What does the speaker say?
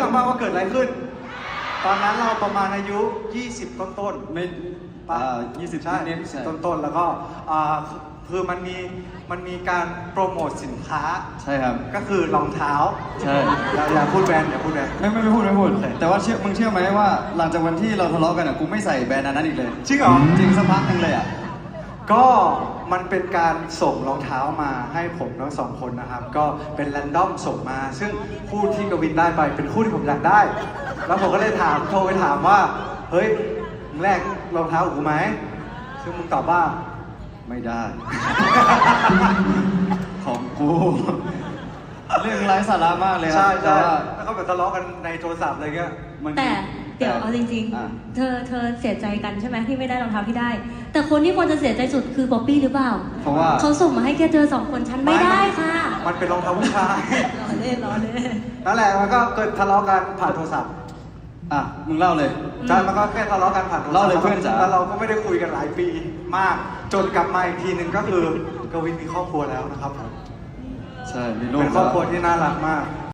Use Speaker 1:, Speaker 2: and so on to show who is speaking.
Speaker 1: รื่องบ้างว่าเกิดอะไรขึ้นตอนนั้นเราประมาณอายุ20ต้น
Speaker 2: ไม่
Speaker 1: 20ใช่
Speaker 2: นิด
Speaker 1: 20ต้นแล้วก็คือมันมีการโปรโมทสินค้า
Speaker 2: ใช่ครับ
Speaker 1: ก็คือรองเท้า
Speaker 2: ใช่
Speaker 1: อย่าพูดแบรนด์
Speaker 2: ไม่พูดแต่ว่ามึงเชื่อไหมว่าหลังจากวันที่เราทะเลาะกันอ่ะกูไม่ใส่แบรนด์นั้นอีกเลย
Speaker 1: จริงเหรอ
Speaker 2: จริงสักพักนึงเลยอ่ะ
Speaker 1: ก็มันเป็นการส่งรองเท้ามาให้ผมทั้งสองคนนะครับก็เป็นแรนดอมส่งมาซึ่งคู่ที่กวินได้ไปเป็นคู่ที่ผมอยากได้แล้วผมก็เลยโทรไปถามว่าเฮ้ยมึงแลกรองเท้ากับกูไหมซึ่งมึงตอบว่า
Speaker 2: ไม่ได้ ของกูเรื่องไร้สาระมากเลยครับ
Speaker 1: ใช่แล้วก็แบบทะเลาะกันในโทรศัพท์อะไรเงี้ย
Speaker 3: แต่เดี๋ยวเอาจริงๆเธอเสียใจกันใช่ไหมที่ไม่ได้รองเท้าที่ได้แต่คนที่ควรจะเสียใจสุดคือป๊อปปี้หรือเปล่า
Speaker 2: เพราะว่า
Speaker 3: เขาส่งมาให้แค่เธอ2คนฉันไม่ได้ค่ะ
Speaker 1: มันเป็นรองเท้าผู้ชาย
Speaker 3: ล้อเล่น
Speaker 1: นั่นแหละมันก็เกิดทะเลาะกันผ่านโทรศัพท์
Speaker 2: มึงเล่าเลย
Speaker 1: ใช่มันก็แค่ทะเลาะกันผ่านโทรศัพท์
Speaker 2: เล่าเลยเพื่อนจ๋า
Speaker 1: แล้วเราก็ไม่ได้คุยกันหลายปีมากจนกลับมาอีกทีหนึ่งก็คือกวินมีครอบครัวแล้วนะครับผม
Speaker 2: ใช่มีลูก
Speaker 1: เป็นครอบครัวที่น่ารักมาก